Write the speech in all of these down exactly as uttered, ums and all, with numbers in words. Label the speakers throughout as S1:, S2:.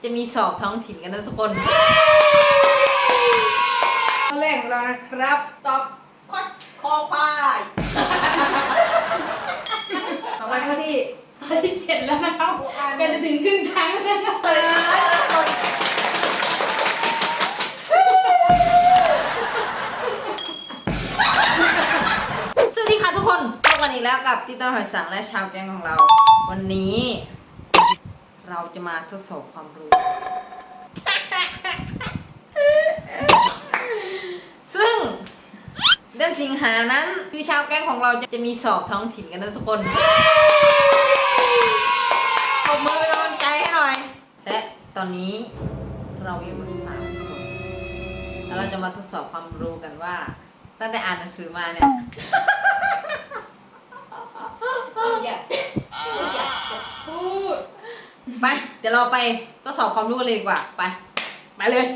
S1: จะมีสอบท้องถิ่นกันนะทุกคน
S2: ข้อแรกของเรานะครับ
S3: ตอบข้อคอควาย
S2: ต่อไปข้อที่ข้อที่เจ็ดแล้วนะครับก็จะถึงครึ่งทางแล้วนะครับ
S1: สวัสดีค่ะทุกคนพบกันอีกแล้วกับติ๊กต๊อกหอยสังและชาวแก๊งของเรา วันนี้เราจะมาทดสอบความรู้ ซึ่งเดือนสิงหานั้นคือชาวแก๊งของเราจะมีสอบท้องถิ่นกันนะทุกคนปรบมือเป็นกำลังใจให้หน่อยและตอนนี้เราอยู่กันสามคนแล้วเราจะมาทดสอบความรู้กันว่าตั้งแต่อ่านหนังสือมาเนี่ย
S3: อยากอยากจะพูด
S1: ไปเดี๋ยวเราไปทดสอบความรู้กันเลยดีกว่าไปไปเลย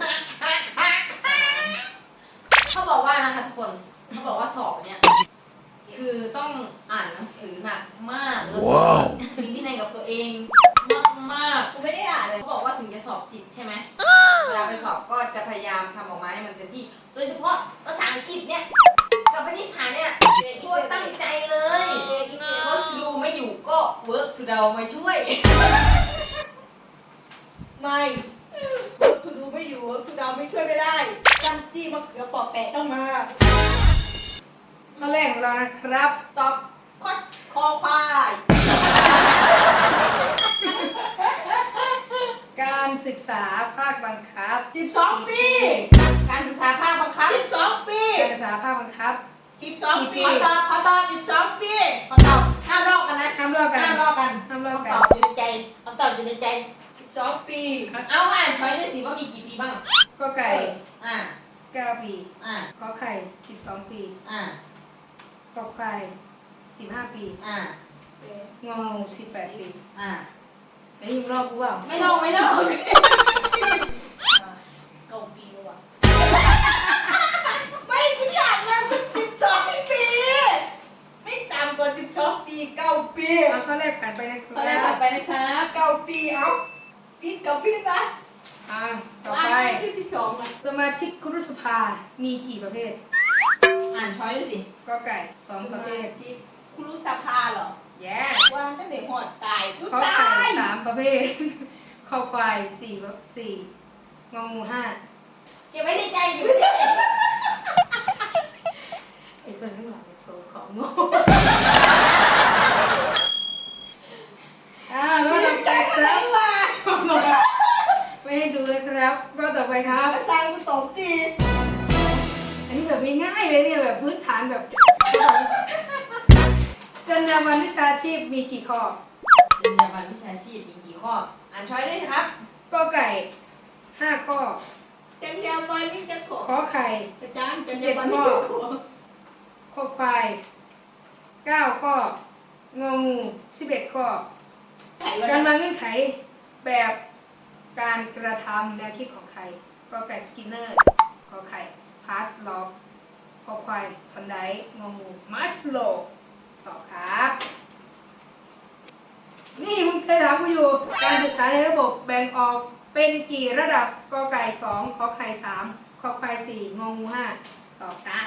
S1: เขาบอกว่านะคะทุกคนเขาบอกว่าสอบเนี่ยคือต้องอ่านหนังสือหนักมากแล้วก็มีวินัยกับตัวเองมากมาก
S3: กูไม่ได้อ่านเลย
S1: เขาบอกว่าถึงจะสอบติดใช่ไหมเวลาไปสอบก็จะพยายามทำออกมาให้มันเต็มที่โดยเฉพาะภาษาอังกฤษเนี่ยกับคณิตศาสตร์เนี่ยช่วยตั้งใจเลยเพราะดูไม่อยู่ก็ work to เรามาช่วย
S3: ไม่เวิร์กทูดูไม่อยู่เวิร์กทูเดาไม่ช่วยไม่ได้จำจี้มะเขือปอกแปะต้องมา
S2: ข้อแรกของเรานะครับ
S3: ตอบข้อคอควาย
S2: การศึกษาภาคบังคับ
S3: สิบสองปี
S1: การศึกษาภาคบังคับ
S3: สิบสองปี
S2: การศึกษาภาคบังคับ
S3: สิบสองปีขอตอบขอตอบสิบสองปี
S1: คำตอบห้ามลอกกันนะ
S2: ห้ามลอกกัน
S3: ห้ามลอกกัน
S2: ห้ามลอก
S1: คำ
S2: กั
S1: ต
S2: น
S1: อบอยู่ในใจคำตอบอยู่ในใจ
S3: สิบสองปี
S1: เอาอ่านช้อยด้วยสิว่ามีกี่ปีบ้าง
S2: ก็ไก่
S1: อ่า
S2: เก้าปี
S1: อ่า
S2: ขอไข่สิบสองปี
S1: อ่า
S2: กอไข่สิบห้าปี
S1: อ่าง
S2: องูสิบแปดปี
S1: อ่า
S2: ไอ้ยิมรอบกูเปล่า
S1: ไม่ลอกไม่ลอก
S3: เก้าปีแล้ววะไม่กูอยากเลยมันสิบสองปีไม่ต่ำกว่าสิบสองปีเก้าปี
S2: เอาข้อแรกผ่านไปนะค
S1: ข้อแรก
S2: รั
S1: ผ่า
S2: บ
S1: นไปนะครับ
S3: เก้าปีเอาปีเก้าปีนะ
S2: อ่าต่อ
S3: อ่า
S2: ไป
S3: ที่สิบสองนะ
S2: สมาชิกครุสภา มีกี่ประเภท
S1: อ่านช้อยด้วยสิ
S2: ก็ไก่สองประเภท
S3: ที่ครูสภาเหรอ
S2: แย่
S3: วางตั้งแต่หอดตายกู
S2: ข้อ
S3: ตา
S2: ไข่
S3: ย
S2: สามประเภท ข้อควายสี่สี่งองูห้า
S1: เก็บไว้ในใจเก็บไว้ในใจ
S2: ไอ้คนข้างหลังเนี่ยโชว์ของโง่ อ่าก็ต่อไป
S3: ใจ
S2: ค
S3: อะไร
S2: รับ
S3: วะ
S2: ไม่ให้ดูเลยครับ ก็ต่อไปครับ
S3: กระซังกูตบสิ
S2: อันนี้แบบง่ายๆเลยเนี่ยแบบพื้นฐานแบบจรรยาบรรณวิชาชีพมีกี่ข้อ
S1: จรรยาบรรณวิชาชีพมีกี่ข้อ อ่านช้อยด้วยนะครับ
S2: ก็ไก่ห้าข้อ
S3: จันยาบันนี่จะขอ
S2: ขอไข่
S3: อาจารย์จันยาบันนี่จะขอ
S2: ข้อควายเก้าข้อ งองูสิบเอ็ดข้อ
S3: ไข่
S2: การ
S3: วัน
S2: มาเงื่อนไขแบบการกระทำแนวคิดของใครก็ไก่สกินเนอร์ขอไข่พาสลอฟขอควายทันไดงองูมัสโลตอบครับ นี่มึงเคยถามกูอยู่ การศึกษาในระบบแบ่งออกเป็นกี่ระดับกอไก่สองขอไข่สามขอควายสี่งองูห้าตอบจ้า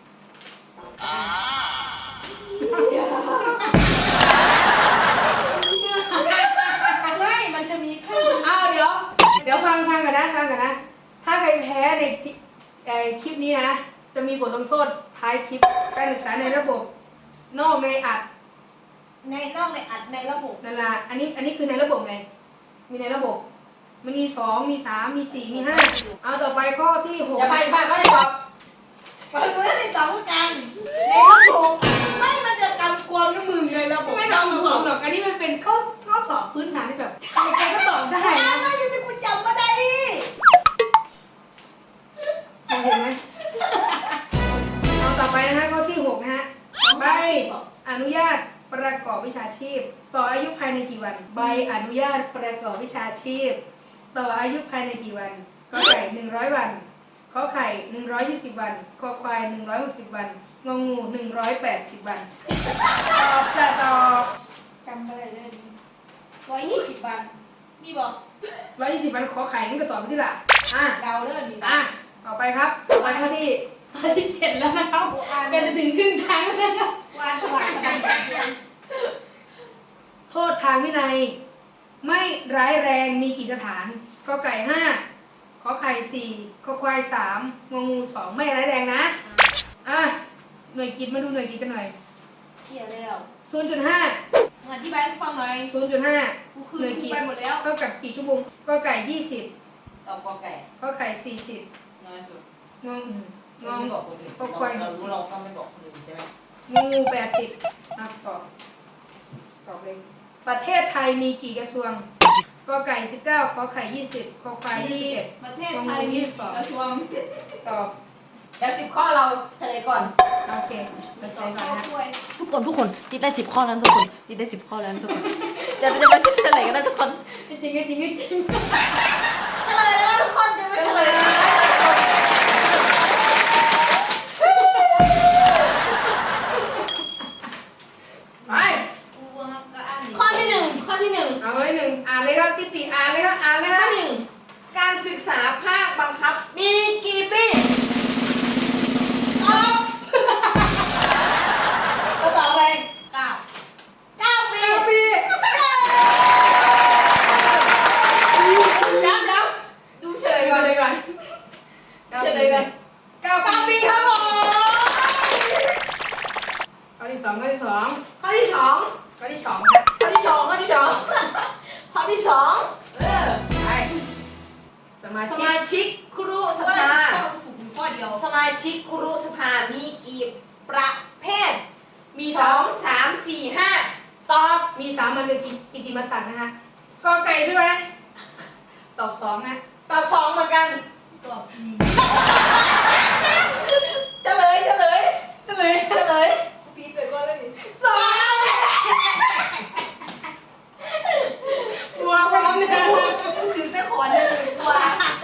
S3: ไม่มันจะมีขั้น
S2: อ้าวเดี๋ยว เดี๋ยวฟังฟังกันนะฟังกันนะ ถ้าใครแพ้ในที่เอ่อคลิปนี้นะ จะมีบทลงโทษท้ายคลิป การศึกษาในระบบ นอกในอัด
S3: ในนอกในอัดในระบบ
S2: นั่นละอันนี้อันนี้คือในระบบไง มีในระบบ มันมีสองมีสามมีสี่มีห้าเอาต่อไปข้อที่หก
S1: อย่าไปไปไม่ได้ตอบ
S3: ฟังไม่ได้ตอบกันในระบบไม่มันจะกำกวมน้ำมึงในระบบ
S2: ไม่ต้องห่วงหรอก อันนี้มันเป็นข้อข้อสอบพื้นฐานที่แบบใครๆก็ตอบได้
S3: ได้
S2: นะ
S3: นะยังจะกูจำมาได้
S2: เห็นไหมเอาต่อไปนะฮะข้อที่หกนะฮะใบอนุญาตประกอบวิชาชีพ ต่ออายุภายในกี่วัน ใบอนุญาตประกอบวิชาชีพ ต่ออายุภายในกี่วันกอไก่หนึ่งร้อยวันขอไข่หนึ่งร้อยยี่สิบวันคอควายหนึ่งร้อยหกสิบวันงองูหนึ่งร้อยแปดสิบวันตอบจะตอบ
S3: จำอะไรได้ร้อยยี่สิบวันมีบอก
S2: ร้อยยี่สิบวันขอไข่มันก็ตอบไปที่ละอ่ะ
S3: เดาเรื่องนี้
S2: อ่ะต่อไปครับต่อไปข้อที่ข้อที่เจ็ดแล้วนะครับใกล้จะถึงครึ่งทางแล้วนะครับ
S3: วานฉลาดขนาดนี้
S2: โทษทางวินัย ไม่ร้ายแรงมีกี่สถานกอไก่ห้าขอไข่สี่ขอควายสามงองูสองไม่ร้ายแรงนะอ่ะหน่วยกิจมาดูหน่วยกิจกันหน่อย
S3: เชี่ยแล้ว
S2: ศูนย์จุดห้า
S3: มาอธิบายให้ฟังหน่อย
S2: ศูนย์จุดห้า
S3: กูคืน
S2: หน่วย
S3: กู
S2: กิจ
S3: ไปหมดแล้ว
S2: เท่ากับกี่ชั่วโมงกอไก่ยี่สิบ
S1: ตอบกอไก่
S2: ขอไข่สี่สิบ
S1: น้อยสุด
S2: งอง
S1: เราไม่บอกคนอื่นเราเรารู้เราต้องไม่บอกคนอื่นใช่ไหม
S2: งองูแปดสิบอ่ะตอบตอบเลยประเทศไทยมีกี่กระทรวงกอไก่สิบเก้าขอไข่ยี่สิบขอควายยี่สิบเอ็ด
S3: ประเทศไทยมีกระทรวง
S2: ตอบ
S1: เดี๋ยวสิบข้อเราเฉลยก่อน
S2: โอเคเดี๋ยว
S3: ต่
S2: ต่
S3: อ
S2: อ
S3: ข้
S2: ก่อน
S3: อ
S2: นะ
S3: ด้วย
S1: ทุกคนทุกคนติดได้สิบข้อแล้วทุกคนติดได้สิบข้อแล้วทุกคนเดี๋ยวจะมาเฉลยกันนะทุกคน
S2: จริงจริงจริงจริง
S1: เฉลยแล้วนะทุกคนจะมาเฉลยแล้วนะ
S2: ไป
S3: กูว่าก็อ่าน
S1: ข้อที่หนึ่งข้อที่หนึ่ง
S2: เอาไว้หนึ่งอ่านเลยครับติติอ่านเลยครับอ่านเลยค
S1: ข้
S2: รั
S1: อบ หนึ่ง
S3: การศึกษาภาคบังคับ
S1: มีกี่ปี
S3: ตอบ
S2: ก็ต่อไป
S3: เก้า
S1: เก้าปี
S3: เก้าปีย้ำย้
S1: ดูเฉล
S2: เฉล
S1: ย
S2: ย
S1: ก่
S2: ก่
S1: อ
S2: อน
S1: น
S2: เลยก่อน
S1: เฉลยก่อน
S2: เก้า
S3: ำเก้าปีครับผม
S2: ข้อที่สองข้อที่สอง
S3: ข้อที่สอง
S2: ข้อที่สองครับ
S3: ข้อที่สองข้อที่สองข้อที่สอง
S1: เออ
S2: ไปสมา
S1: ส
S2: ชิก
S1: มาชิกครุส
S3: ว่า
S1: ภา
S3: ถูกอยู่ข้อเดียว
S1: สมาชิกครุสภามีกี่ประเภท
S3: มี
S1: ส
S3: ส
S1: อ
S3: อง ง
S1: สามสี่ห้าตอบ
S2: มีสามัญเป็นกิติมศักดิ์นะฮะกอไก่ใช่ไหมตอบสองนะ
S3: ตอบสองเหมือนกันตอบทีเฉลยเฉลย
S2: เฉลย
S3: เฉลยปีเตยก็เลยดิสอง
S2: บัวพร้อมเนี่ย
S3: ถึงจะขอหนึ่งกว่า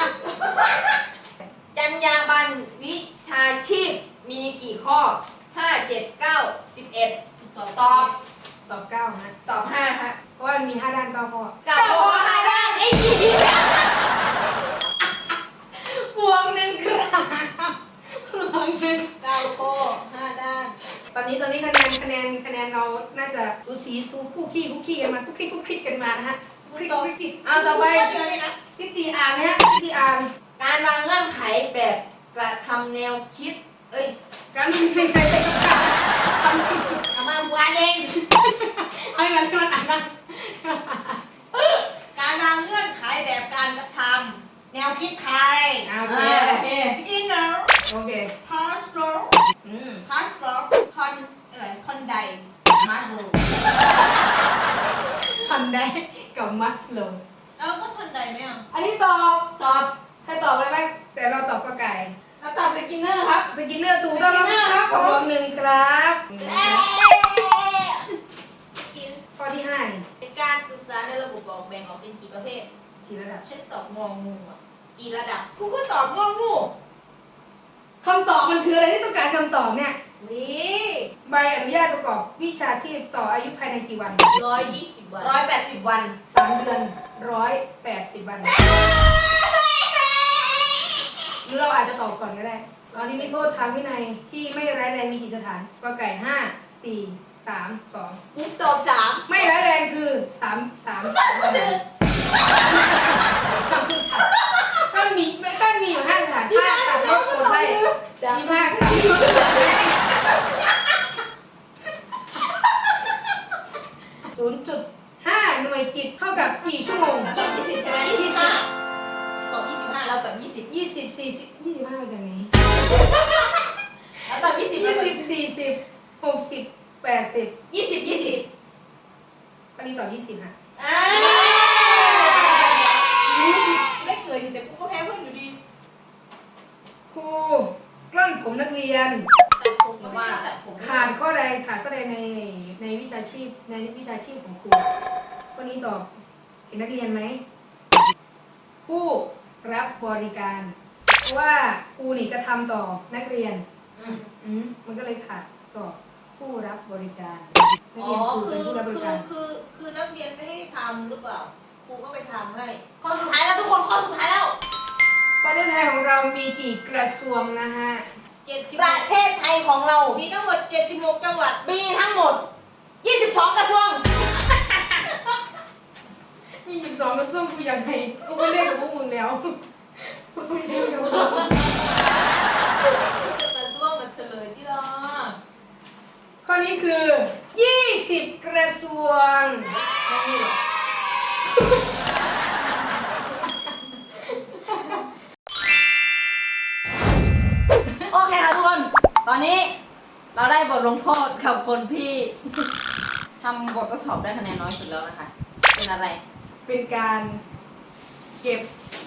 S1: จรรยาบรรณวิชาชีพมีกี่ข้อห้าเจ็ดเก้าสิบเอ็ด
S3: ตอบ
S1: ตอบ
S2: ตอบเก้านะ
S3: ตอบห้าฮะ
S2: เพราะว่ามันมีห้าด้านเก้าข้อ
S1: เก้าข้อห้าด้านไอ้ยี่
S2: บวกหนึ่งครับบวกหนึ่ง
S3: เก้าข้อห้าด้าน
S2: ตอนนี้ตอนนี้คะแนนคะแนนคะแนนเราน่าจะสูสีสูคู่ขี้คู่ขี้กันมาคู่ขี้คู่ขี้กันมานะฮะคู่ขี้คู่ขี้เอาต่อไป
S3: ข้อเดียวเลยนะ
S2: ทิฏฐิอ่านนะฮะทิฏฐิอ่าน
S1: การวางเงื่อนไขแบบกระทำแนวคิด เอ้ย
S2: การไม่ไม่ใครจะกล้าทำ
S1: เอามาบัวเอง
S2: ให้มันให้มันอ่านนะ
S3: การวางเงื่อนไขแบบการกระทำแนวคิดใคร
S2: อ่าโอเคโอเค
S3: สกินเนอร์
S2: โอเค
S3: พาสโล
S2: อืม
S3: พาสโลคอนอะไรคอนไดมาสโล
S2: ทันได้กับมัสโล
S3: แล้วก็คอนไดไหมอ่ะ
S2: อันนี้ตอบตอบใครตอบอะไรไหมแต่เราตอบก็ไก่
S3: เราตอบสกินเนอร์ครับ
S2: สกินเนอร์ถูกต้อง
S3: สกินเนอร์ครับผม
S2: รวมหนึ่งครับ
S3: เอ๊ะสกิน
S2: ข้อที่ห้านี่
S3: เป็นการศึกษาในระบบบอกแบ่งออกเป็นกี่ประเภท
S2: กี่ระดับ
S3: ฉันตอบงองูอ่ะกี่ระดับกูก็ตอบงองู
S2: คำตอบมันคืออะไรที่ต้องการคำตอบเนี่ย
S3: นี่
S2: ใบอนุญาตประกอบวิชาชีพต่ออายุภายในกี่วัน
S3: ร้อยยี่สิบวัน
S1: ร้อยแปดสิบวัน
S2: สามเดือนร้อยแปดสิบวันหรือเราอาจจะตอบก่อนก็ได้ตอนนี้มีโทษทางวินัยที่ไม่ร้ายแรงมีกี่สถานกอไก่ห้าสี่สามสอง
S3: กูตอบสาม
S2: ไม่ร้ายแรงคือสามสามสามก็มีก็มีอยู่ห้าสถานภาคตัดลดกดไล่ยี่ห้าศูนย์จุดห้าหน่วยกิจเท่ากับกี่ชั่วโมง
S1: ตอบยี่สิบใช่ไหมยี่สิบห้าตอบยี่สิบห้าเราตอบยี่สิบ
S2: ยี่สิบสี่สิบยี่สิบห้ามาจากไหน
S1: เราตอบยี่สิบ
S2: ยี่สิบสี่สิบหกสิบแปดสิบ
S1: ยี่สิบยี่สิบ
S2: ก็นี่ตอบยี่สิบฮะ
S3: อ่าไม่เกิดอยู่แต่กูก็แพ้เพื่อนอยู่ดี
S2: ครูกล้อนผมนักเรียน
S3: ตัดผมก็ไม่ได้ตัดผม
S2: ขาดข้อใดขาดข้อใดในในวิชาชีพในวิชาชีพของครูข้อนี้ตอบเห็นนักเรียนไหมผู้รับบริการเพราะว่าครูนี่กระทำต่อนักเรียน
S1: อืม
S2: อืมมันก็เลยขาดต่อผู้รับบริการนัก
S3: อ๋อ
S2: เรียนครู
S3: คื
S2: เป็น
S3: อ
S2: ผู้รับบ
S3: คื
S2: ริ
S3: อ
S2: การ
S3: คือคือนักเรียนไม่ให้ทำหรือเปล่า
S1: ครูก็ไปทำให้ข้อสุดท้ายแล้วทุกคนข้อสุดท้ายแล้ว
S2: ประเทศไทยของเรามีกี่กระทรวงนะฮะ
S3: เจ็ดสิบ
S1: ประเทศไทยของเรา
S3: มีทั้งหมดเจ็ดสิบหกจังหวัด
S1: มีทั้งหมด ยี่สิบสอง กระทรวง
S2: มียี่สิบสองกระทรวงกูยังไงกูไม่เล่นกับพวกมึงแล้วกูไม่เล่นกับพวกมึง
S3: จะร่วมมาเฉลยที่รอ
S2: ข้อนี้คือยี่สิบกระทรวง
S3: ไม่หรอก
S1: โอเคค่ะทุกคน ตอนนี้เราได้บทลงโทษกับคนที่ทำบททดสอบได้คะแนนน้อยสุดแล้วนะคะ เป็นอะไร
S2: เป็นการเก็บ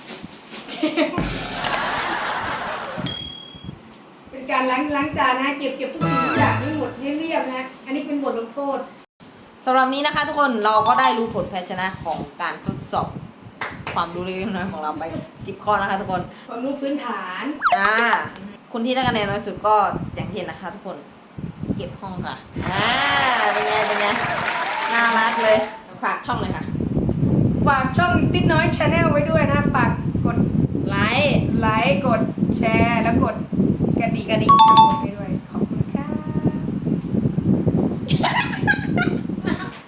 S2: เป็นการล้างล้างจานนะฮะเก็บเก็บทุกสิ่งทุกอย่างให้หมดให้เรียบนะฮะอันนี้เป็นบทลงโทษ
S1: สำหรับนี้นะคะทุกคนเราก็ได้รู้ผลแพ้ชนะของการทดสอบความรู้เล็กๆน้อยๆของเราไป สิบ ข้อนะคะทุกคน
S2: ความรู้พื้นฐาน
S1: อ่าคนที่ได้คะแนนน้อยสุดก็อย่างที่เห็นนะคะทุกคน เก็บห้องค่ะ อ่า เป็นไง เป็นไง น่ารักเลย ฝากช่องเลยค่ะ
S2: ฝากช่องติ๊ดน้อยชาแนลไว้ด้วยนะ ฝากกด
S1: ไลค์
S2: ไลค์ กดแชร์ แล้วกดกระดิ่ง
S1: กระดิ่ง
S2: ทั้งหมดให้ด้วย